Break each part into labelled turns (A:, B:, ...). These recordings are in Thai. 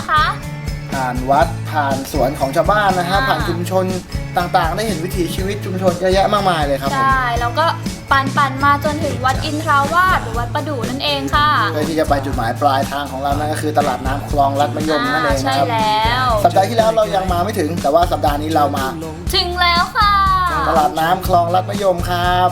A: คะ
B: ผ่านวัดผ่านสวนของชาวบ้านนะฮะผ่านชุมชนต่างๆได้เห็นวิถีชีวิตชุมชนเยอะแยะมากมายเลยครับผม
A: ใช่แล้วก็ปั่นมาจนถึงวัดอินทราวาสหรือวัดประดู่นั่นเองค่ะ
B: เพื่อที่จะไปจุดหมายปลายทางของเรานั่นก็คือตลาดน้ำคลองลัดมะยมนั่นเองนะครับ
A: ใช่แล้ว
B: สัปดาห์ที่แล้วเรายังมาไม่ถึงแต่ว่าสัปดาห์นี้เรามา
A: ถึงแล้วค่ะ
B: ตลาดน้ำคลองลัดมะยมครับ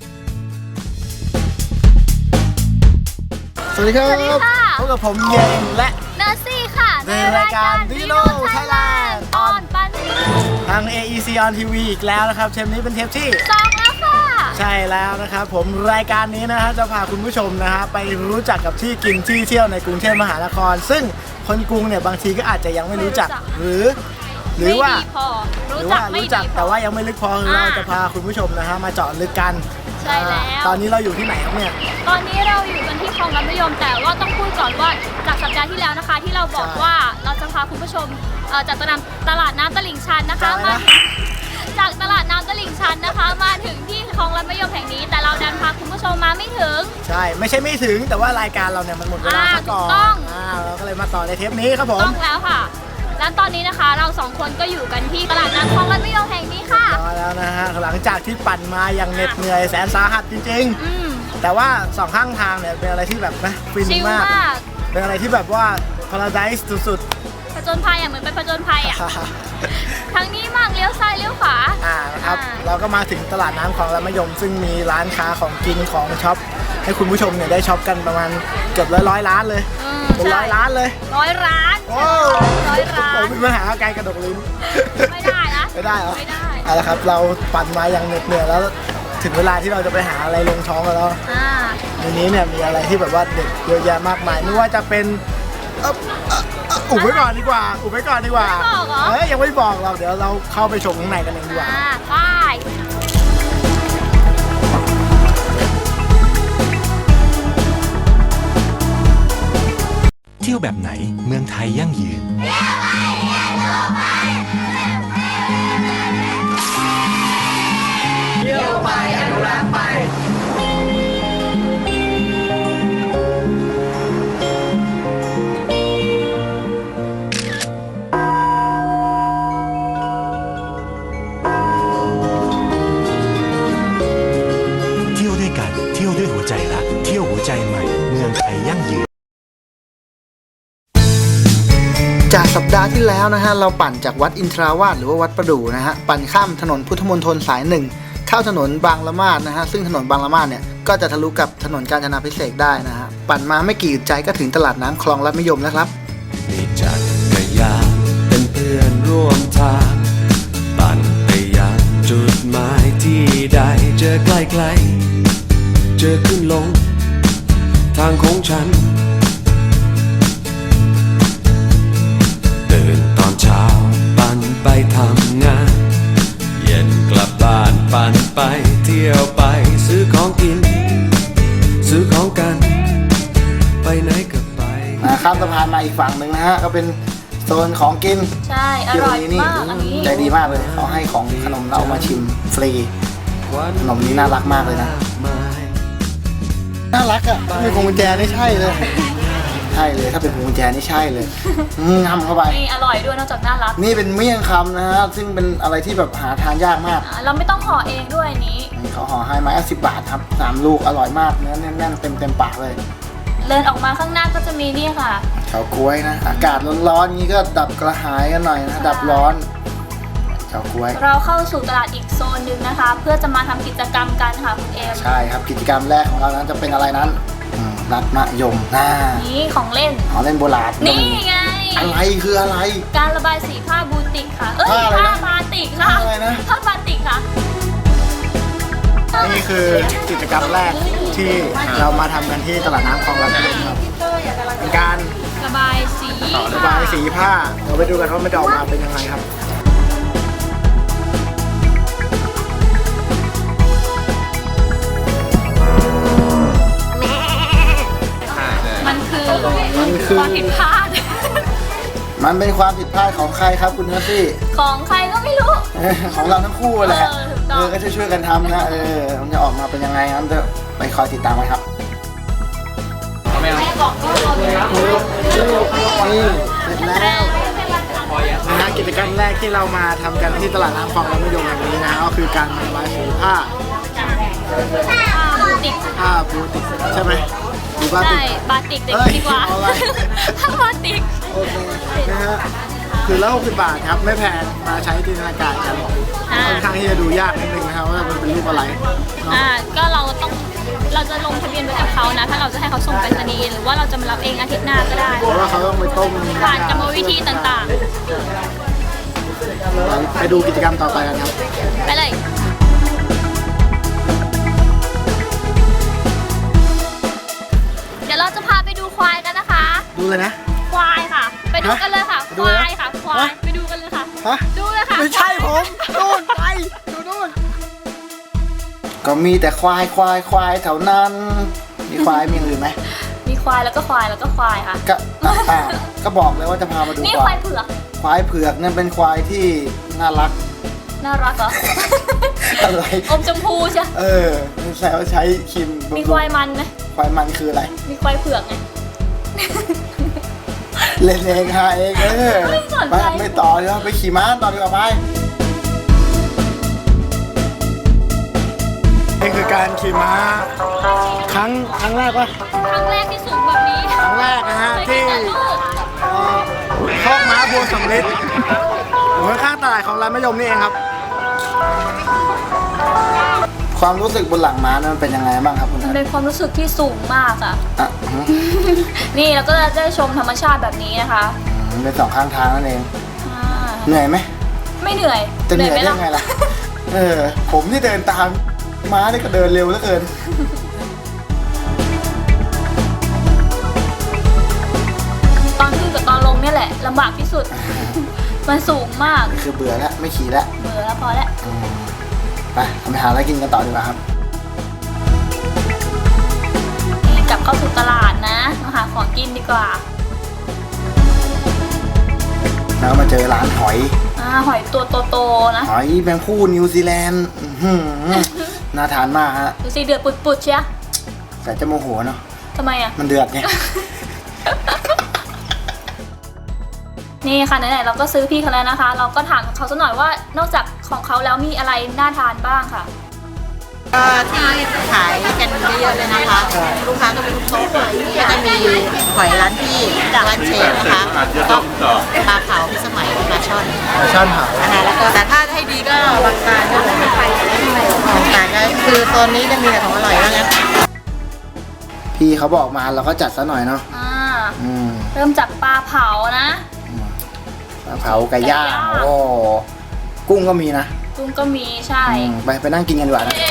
B: สวัสดีครับพบกับผมเยงและ
A: เนอร์ซี่ค่ะ
B: ในรายการ Dino Thailand
A: ออนปัน
B: ทาง AEC on TV อีกแล้วนะครับเทปนี้เป็นเทปที่
A: 2แล้วค่ะ
B: ใช่แล้วนะครับผมรายการนี้นะฮะจะพาคุณผู้ชมนะฮะไปรู้จักกับที่กินที่เที่ยวในกรุงเทพมหานครซึ่งคนกรุงเนี่ยบางทีก็อาจจะยังไม่รู้จักหรือว่ารู้จักแต่ว่ายังไม่ลึกพอเราจะพาคุณผู้ชมนะฮะมาเจาะลึกกัน
A: ใช่แล้ว
B: ตอนนี้เราอยู่ที่ไหนครับเนี่ย
A: ตอนนี้เราอยู่กันที่คลองลัดมะยมแต่ว่าต้องพูดก่อนว่าจากสัปดาห์ที่แล้วนะคะที่เราบอกว่าเราจะพาคุณผู้ชมจากตลาดน้ำตลิ่งชันนะคะมาจากตลาดน้ำตลิ่งชันนะคะมาถึงที่คลองลัดมะยมแห่งนี้แต่เราดันพาคุณผู้ชมมาไม่ถึง
B: ใช่ไม่ใช่ไม่ถึงแต่ว่ารายการเราเนี่ยมันหมดเวลาก่อนเราก็เลยมาต่อในเทปนี้ครับผม
A: ต้องแล้วค่ะและตอนนี้นะคะเรา2คนก็อยู่กันที่ตลาดน้ำคลองลัดมะยมแห่งนี้ค่ะ
B: แล้วนะฮะหลังจากที่ปั่นมาอย่างเหน็ดเหนื่อยแสนสาหัสจริงๆแต่ว่า2ข้างทางเนี่ยเป็นอะไรที่แบบนะฟินมากเป็นอะไรที่แบบว่าพาราไดซ์สุด
A: ๆผจญภัยเหมือนไปผจญภัยทางนี้มากเลี้ยวซ้ายเลี้ยวขวา
B: นะครับเราก็มาถึงตลาดน้ำคลองลัดมะยมซึ่งมีร้านค้าของกินของช็อปให้คุณผู้ชมเนี่ยได้ช็อปกันประมาณเกือบร้อยล้านเลยเป็น100 ล้านเลย
A: 100 ล้าน
B: โอ้100 ล้านผมมีปัญหาการกระดกลิ้น
A: ไม่ได้นะ
B: ไม่ได้เหรอไม่ได้เอาละครับเราปั่นมาอย่างเหน็ดเหนื่อยแล้วถึงเวลาที่เราจะไปหาอะไรลงท้องกันแล้วในนี้เนี่ยมีอะไรที่แบบว่าเด็ดเยอะแยะมากมายไม่ว่าจะเป็นอุบไว้ก่อนดีกว่ายังไม่บอกเราเดี๋ยวเราเข้าไปชมข้างในกันเองดีกว่า
A: ไป
C: เที่ยวแบบไหนเมืองไทยยั่งยืน
D: เที่ยวไปอนุรักษ์ไป
C: เที่ยวด้วยกันเที่ยวด้วยหัวใจรักเที่ยวหัวใจใหม่เมืองไทยยั่งยืน
B: จากสัปดาห์ที่แล้วนะฮะเราปั่นจากวัดอินทราวาสหรือว่าวัดประดู่นะฮะปั่นข้ามถนนพุทธมณฑลสาย1เข้าถนนบางละมาดนะฮะซึ่งถนนบางละมาดเนี่ยก็จะทะลุกับถนนกาญจนาภิเษกได้นะฮะปั่นมาไม่กี่ใจก็ถึงตลาดน้ำคลองลัดมะยมแล้วครับ
E: มีจักรยานเป็นเพื่อนร่วมทางปั่นไปยังจุดหมายที่ใดเจอใกล้ๆเจอขึ้นลงทางของฉันตื่นตอนเช้าปั่นไปทำงานเย็นกลับบ้านปั่นไปเที่ยวไปซื้อของกินซื้อของกันไปไหนก็ไป
B: ข้ามสะพานมาอีกฝั่งหนึ่งนะฮะก็เป็นโซนของกิน
A: ใช่อร่อยมากอันนี้
B: ใจดีมากเลยเขาให้ของขนมเรามาชิมฟรีขนมนี้น่ารักมากเลยนะน่ารักอ่ะมีพวงกุญแจนี่ใช่เลยถ้าเป็นพวงกุญแจนี่ใช่เลยงำเข้าไป
A: นี่อร่อยด้วยนอกจากน่ารัก
B: นี่เป็นเมี่ยงคำนะฮะซึ่งเป็นอะไรที่แบบหาทานยากมาก
A: เราไม่ต้องห่อเองด้วยนี้
B: เขาห่อให้มา10 บาทครับ3 ลูกอร่อยมากเนื้อแน่นๆเต็มปากเลย
A: เดินออกมาข้างหน้าก็จะมีนี่ค่ะ
B: เฉาก๊วยนะอากาศร้อนๆนี้ก็ดับกระหายกันหน่อยนะดับร้อนเฉาก๊วย
A: เราเข้าสู่ตลาดอีกโซนหนึ่งนะคะเพื่อจะมาทำกิจกรรมกันค่ะคุณเอม
B: ใช่ครับกิจกรรมแรกของเรานั้นจะเป็นอะไรนั้นลัดมะยม
A: นี่ของเล่น
B: โบราณ
A: นี่ไง
B: อะไรคืออะไร
A: การระบายสีผ้าบูติกค่ะผ้าบาติกค่ะ
B: อะไรนะ
A: ผ้าบาติกค่ะ
B: นี่คือกิจกรรมแรกที่เรามาทำกันที่ตลาดน้ำคลองลัดมะยมครับเป็นการ
A: ระบาย
B: สีผ้าเราไปดูกันว่ามันจะออกมาเป็นยังไงครับ
A: มันคือความผิดพลาด
B: มันเป็นความผิดพลาดของใครครับคุณเนอร์ซี่
A: ของใครก็ไม่รู้
B: ของเราทั้งคู่แหละก็ช่วยกันทำนะมันจะออกมาเป็นยังไงงั้นจะไปคอยติดตามกันครับ
A: แม่บอกก็รอดูนะ
B: นี่ร็จแล้วนะฮะกิจกรรมแรกที่เรามาทำกันที่ตลาดน้ำคลองลำมะยมแห่งนี้นะฮะก็คือการระบายสีผ้า
A: บูติก
B: ผ้าบูติกใช่ไหมหรือว่า
A: ใช่
B: ติก
A: บาติกเด็ก
B: เอ้ย
A: ดีกว่า
B: เอาอะไร
A: ถ้าบาติก
B: โอเคนะฮะคือละ60 บาทครับไม่แพงมาใช้จินตนาการกันค่อนข้างที่จะดูยากนิดนึงนะครับว่ามันเป็นรูปอะไรเนาะ
A: ก็เราจะลงทะเบียนไว้กับเขานะ ถ้าเราจะให้เขาส่งไปรษณีย์หรือว่าเราจะมารับเองอาทิตย์หน้าก็ได้
B: เพราะว่าเขาต้องไปต้ม
A: ผ่านกรรมวิธีต่าง
B: ไปดูกิจกรรมต่อไปกันครับ
A: ๆ ไปเลย เดี๋ยวเราจะพาไปดูควายกันนะคะ
B: ดูเลยนะ
A: ควายค่ะ ไปดูกันเลยค่ะ
B: ไป
A: ค
B: ดูเลย
A: วา
B: นะ
A: ยค่ะ ควาย
B: ฮะ
A: ไปดูกันเลยค่ะ
B: ฮะ
A: ดูเลยค่ะ
B: ไม่ใช่ผมนู่นไปดูนู่นก็มีแต่ควายแถวนั้น มีควายมีอย่างอื่นไหม
A: มีควายแล้วก็ควายแล้วก็ควายค่ะ
B: ก็ก็บอกเลยว่าจะพามาดู
A: นี่ควายเผือก
B: ควายเผือกนั่นเป็นควายที่น่ารัก
A: น่ารักเหรอ
B: อะไร
A: อมชมพูใช่
B: แซวใช้ครีมบำรุง
A: มีควายมันไหม
B: ควายมันคืออะไร
A: มีควายเผือกไง
B: เล่นเองหาเอง
A: ไม่สนใจ
B: ไม่ต่อเดี๋ยวไปขี่ม้าต่อดีกว่าไปนี่คือการขี่ม้าครั้งแรกปะ
A: ครั้งแรกที่สูงแบบนี้
B: ครั้งแรกนะฮะ
A: เคย
B: ที่
A: เห็นแต่รูป
B: คอกม้าบัวสำลิดอยู่ข้างๆตลาดของร้านมะยมนี่เองครับ ความรู้สึกบนหลังม้านั้นเป็นยังไงบ้างครับคุณ
A: มันเป็นความรู้สึกที่สูงมากอ่ะ
B: อ่ะ
A: นี่เราก็จะได้ชมธรรมชาติแบบนี้นะคะ
B: เป็นสองข้างทางนั่นเอง
A: อ่า
B: เหนื่อยไหม
A: ไม่เหนื่อย
B: จะเหนื่อย
A: ไหม
B: ได้ยังไงล่ะ ผมที่เดินตามม้านี่ก็เดินเร็วเหลือเกิน
A: ตอนขึ้นกับตอนลงเนี่ยแหละลำบากที่สุด มันสูงมาก
B: คือเบื่อแล้วไม่ขี่แล้ว
A: เบื่อแล้วพอแล้ว
B: ไปทำไปหาอะไรกินกันต่อดีกว่าครับ
A: กลับเข้าสู่ตลาดนะมาหาของกินดีกว่า
B: แล้วมาเจอร้านหอย
A: หอยตัวโตๆนะ
B: หอยแมงผู้นิวซีแลนด์อื้อหือน่าทานมากฮะ
A: ดูสิเดือดปุดๆเชีย
B: แต่จะโมโหเนาะ
A: ทำไมอ่ะ
B: มันเดือดไง
A: นี่ค่ะไหนๆเราก็ซื้อพี่เขาแล้วนะคะ เราก็ถามเขาสักหน่อยว่านอกจากของเขาแล้วมีอะไรน่าทานบ้างค่ะ
F: ที่ขายกันเยอะๆเลยนะคะ ลูกค้าก็เป็นลูกโต๊ะก็จะมีหอยร้านพี่ร้านเชฟนะคะก็ปลาเผาพิสมัยปลาช่อน
B: ช่อนเผา
F: นะคะแล้วก็แต่ถ้าให้ดีก็บางตาก็ไม่ไปบางตาก็คือโซนนี้จะมีแต่ของอร่อยว่างั้น
B: พี่เขาบอกมาเราก็จัดซะหน่อยเนาะ อืม
A: เริ่มจากปลาเผานะ
B: ปลาเผาไก่ย่าง
A: ไก่ย่าง
B: โอ้กุ้งก็มีนะ
A: กุ้งก็มีใช่
B: ไปนั่งกินกันดีกว่านะ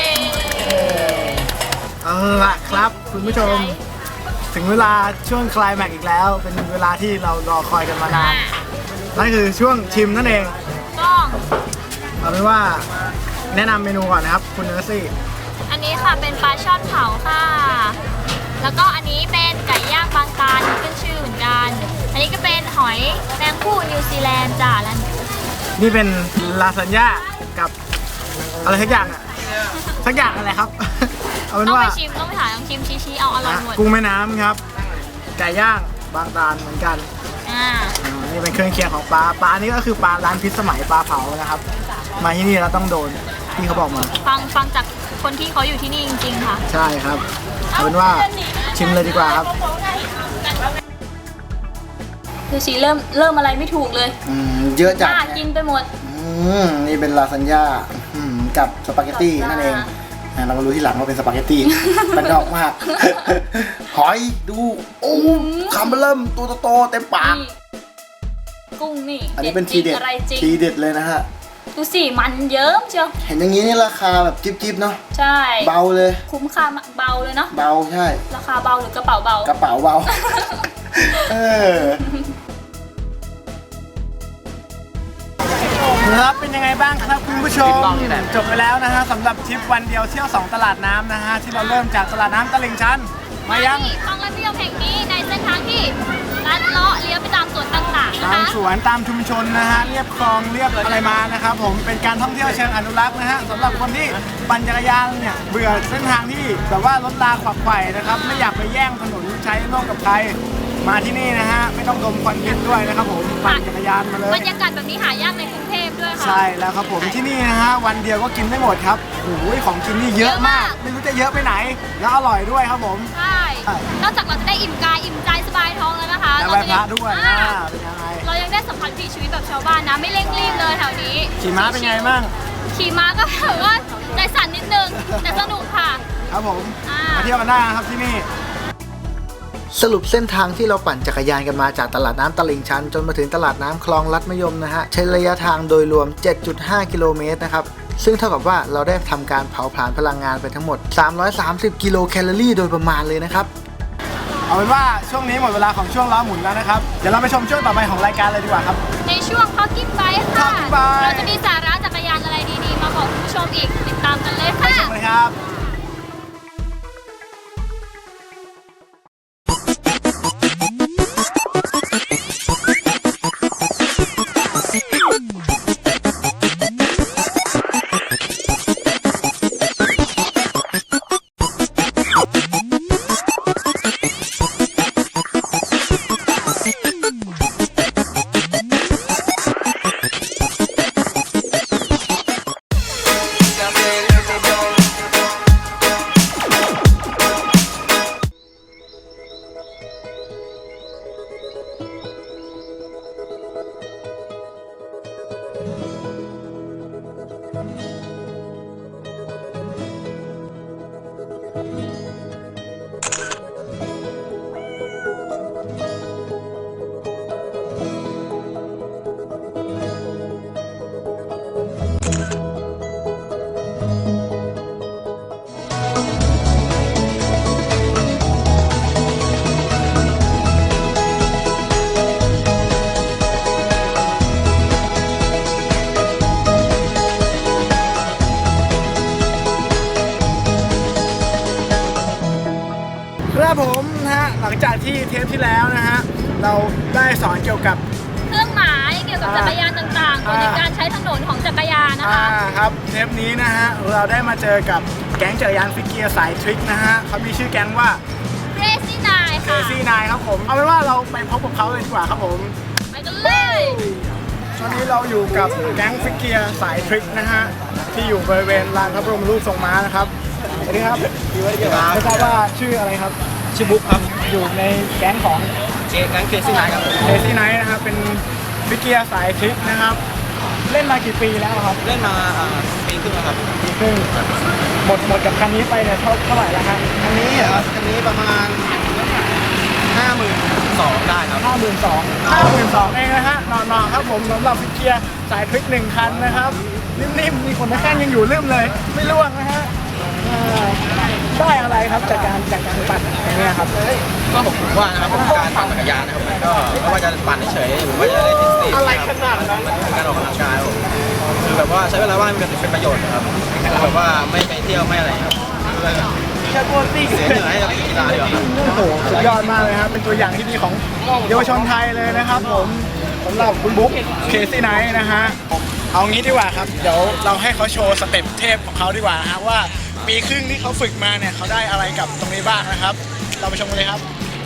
B: เอาละครับคุณผู้ชม ถึงเวลาช่วงคลายแม็กซ์อีกแล้ว เป็นเวลาที่เรารอคอยกันมานานนั่นคือช่วงชิมนั่นเอง
A: ต้อง
B: เอาเป็นว่าแนะนำเมนูก่อนนะครับคุณเนอร์ซี่
A: อันนี้ค่ะเป็นปลาช่อนเผาค่ะ แล้วก็อันนี้เป็นไก่ย่างบางตาลขึ้นชื่อเหมือนกัน อันนี้ก็เป็นหอยแมงผู้นิวซีแลนด์จ้ะแล้ว
B: นี่เป็นลาซานญ่ากับอะไรสักอย่างอะสักอย่างอะไรครับ เอาเป็น
A: ต้อง
B: ว่า
A: ไปชิมต้องไปหาต้องชิมชี้เอาอร่อยหมด
B: กุ้งแม่น้ำครับ ไก่ย่างบางตาลเหมือนกัน นี่เป็นเครื่องเคียงของปลานี่ก็คือปลาร้านพิษสมัยปลาเผานะครับ มาที่นี่เราต้องโดนที่เขาบอกมา
A: ฟังจากคนที่เขาอยู่ที่นี่จริงๆค่ะ
B: ใช่ครับเอาเป็นว่าชิมเลยดีกว่าครับ
A: ดูสิเริ่มอะไรไม่ถูกเลย
B: เยอะจัด
A: น่ากินไปหมด
B: นี่เป็นลาซานญ่ากับสปาเกตตี้นั่นเองเรามารู้ที่หลังว่าเป็นสปาเกตตี้ มันนอกมาก หอยดูโอ้คำเริ่มตัวโตๆเต็มปาก
A: นี่กุ้งนี่
B: อันนี้เป็นทีเด็ด
A: อะไรจริง
B: ทีเด็ดเลยนะฮะ
A: ดูสิมันเยิ้มเชียว
B: เห็นอย่างนี้นี่ราคาแบบจิ๊บๆเนาะ
A: ใช่
B: เบาเลย
A: คุ้มค่าเบาเลยเนาะ
B: เบาใช่
A: ราคาเบาหรือกระเป๋าเบา
B: กระเป๋าเบา ครับเป็นยังไงบ้างครับคุณผู้ชมจบไปแล้วนะฮะสำหรับทริปวันเดียวเที่ยว 2 ตลาดน้ำนะฮะที่เราเริ่มจากตลาดน้ำตลิ่งชันมายัง
A: ที่คลองลำเลียงแห่งนี้ในเส้นทางที่ลัดเลาะเลี้ยวไปตามสวนต่างๆนะ
B: ตาม
A: คะ
B: สวนตามชุมชนนะฮะเรียบคลองเรียบอะไรมานะครับผมเป็นการท่องเที่ยวเชิงอนุรักษ์นะฮะสำหรับคนที่ปั่นจักรยานเนี่ยเบื่อเส้นทางที่แบบว่ารถราขวักไขว่นะครับไม่อยากไปแย่งถนนใช้ร่วมกับใครมาที่นี่นะฮะไม่ต้องดมควันพิษด้วยนะครับผมปั่นจักรยานมาเลย
A: บรรยากาศแบบนี้หายากในกรุงเทพด้วยค่ะ
B: ใช่แล้วครับผมที่นี่นะฮะวันเดียวก็กินไม่หมดครับโอ้ยของกินนี่เยอะมากไม่รู้จะเยอะไปไหนแล้วอร่อยด้วยครับผม
A: ใช่นอกจากเราจะได้อิ่มกายอิ่มใจสบายท้องแล้วนะคะ
B: แล้วไหว้พระด้วย
A: อ่า
B: เป็นยังไง
A: เรายังได้สัมผัสวิถีชีวิตแบบชาวบ้านนะไม่เร่งรีบเลยแถวนี้
B: ขี่ม้าเป็นไงบ้าง
A: ขี่ม้าก็แบบว่าใจสั่นนิดนึงแต่สนุกค่ะ
B: ครับผม
A: อ่า
B: มาเที่ยวกันได้นะครับที่นี่สรุปเส้นทางที่เราปั่นจักรยานกันมาจากตลาดน้ำตลิ่งชันจนมาถึงตลาดน้ำคลองลัดมะยมนะฮะใช้ระยะทางโดยรวม 7.5 กิโลเมตรนะครับซึ่งเท่ากับว่าเราได้ทำการเผาผลาญพลังงานไปทั้งหมด 330 กิโลแคลอรี่โดยประมาณเลยนะครับเอาเป็นว่าช่วงนี้หมดเวลาของช่วงล้อหมุนแล้วนะครับเดี๋ยวเราไปชมช่วงต่อไปของรายการเลยดีกว่าครับ
A: ในช่วง Talking Bike ค่ะ
B: Talking Bike
A: เราจะมีสาระจักรยานอะไรดีๆ มาบอกคุณผู้ชมอีกติดตามกันเลย
B: ไป
A: ค่ะ
B: ชมเลยครับ ครับผมนะฮะหลังจากที่เทปที่แล้วนะฮะเราได้สอนเกี่ยวกับ
A: เครื่องหมายเกี่ยวกับจักรยานต่างๆกฎในการใช้ถนนของจักรยานนะคะ
B: ครับเทปนี้นะฮะเราได้มาเจอกับแก๊งจักรยานฟิกเกียร์สายทริคนะฮะเขามีชื่อแก๊งว่า
A: Crazy Nine ค่ะ
B: Crazy Nine ครับผมเอาเป็นว่าเราไปพบกับเขาเลยดีกว่าครับผม
A: ไปกันเลย
B: ตอนนี้เราอยู่กับแก๊งฟิกเกียร์สายทริคนะฮะที่อยู่บริเวณลานพระบรมรูปทรงม้านะครับสวัสดีครับไม่ทราบว่าชื่ออะไรครับชื่อบุ๊คครับอยู่ในแก๊งของแก๊ง Crazy Nine ครับ Crazy Nine นะครับเป็นฟิกเกียร์สายทริคนะครับเล่นมากี่ปีแล้วครับเล่นมาปีครึ่งแล้วครับปีครึ่งหมดกับคันนี้ไปเนี่ยเท่าไหร่แล้วครับคันนี้เหรอคันนี้ประมาณ 52,000ได้ครับ 52,000เองนะฮะนอนๆครับผมสำหรับฟิกเกียร์สายทริค1คันนะครับนิ่มๆมีคนในแข้งยังอยู่ลืมเลยไม่ร่วงนะฮะได้อะไรครับจากการปั่นอย่างเงี้ยครับ
G: ก็ผมว่านะครับการปั่นจักรยานนะครับมันก็ไม่ว่าจะปั่นเฉยๆหรือว่าจะเล่นเทนนิส
B: อะไรขนาดนั้น
G: มันคือการออกกำลังกายครับผมคือแบบว่าใช้เวลาว่างเป็นประโยชน์นะครับแบบว่าไม่ไปเที่ยวไม่อะไรครับคือ
B: แค่ตัวตี้
G: เสียเหนื่อยให้กับกีฬาดีกว่าครับ
B: โอ้โหสุดยอดมากเลยครับเป็นตัวอย่างที่ดีของเยาวชนไทยเลยนะครับผมสำหรับคุณบุ๊คเคซี่ไนท์นะฮะเอางี้ดีกว่าครับเดี๋ยวเราให้เขาโชว์สเต็ปเทพของเขาดีกว่านะฮะว่าปีครึ่งที่เขาฝึกมาเนี่ยเขาได้อะไรกับตรงนี้บ้างนะครับ เราไปชมกันเลยครับ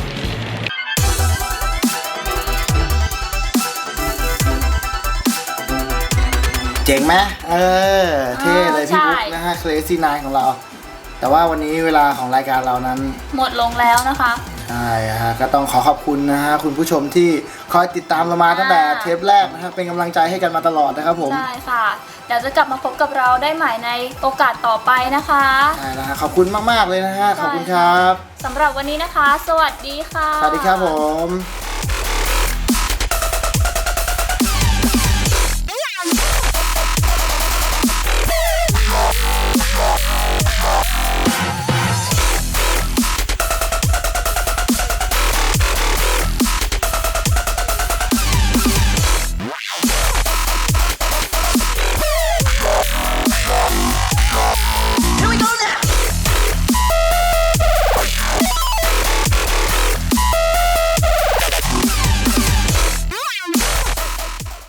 B: เจ๋งไหมเท่เลยพี่บุ๊คนะฮะเคซี่ไนท์ของเรา แต่ว่าวันนี้เวลาของรายการเรานั้น
A: หมดลงแล้วนะคะ
B: ใช่ฮะก็ต้องขอขอบคุณนะฮะคุณผู้ชมที่คอยติดตามเรามาตั้งแต่เทปแรกนะครับเป็นกำลังใจให้กันมาตลอดนะครับผม
A: ใช่ค่ะ เดี๋ยวจะกลับมาพบกับเราได้ใหม่ในโอกาสต่อไปนะคะ
B: ใช่นะฮะขอบคุณมากๆเลยนะฮะขอบคุณครับ
A: สำหรับวันนี้นะคะ สวัสดีค่ะ
B: สวัสดีครับผม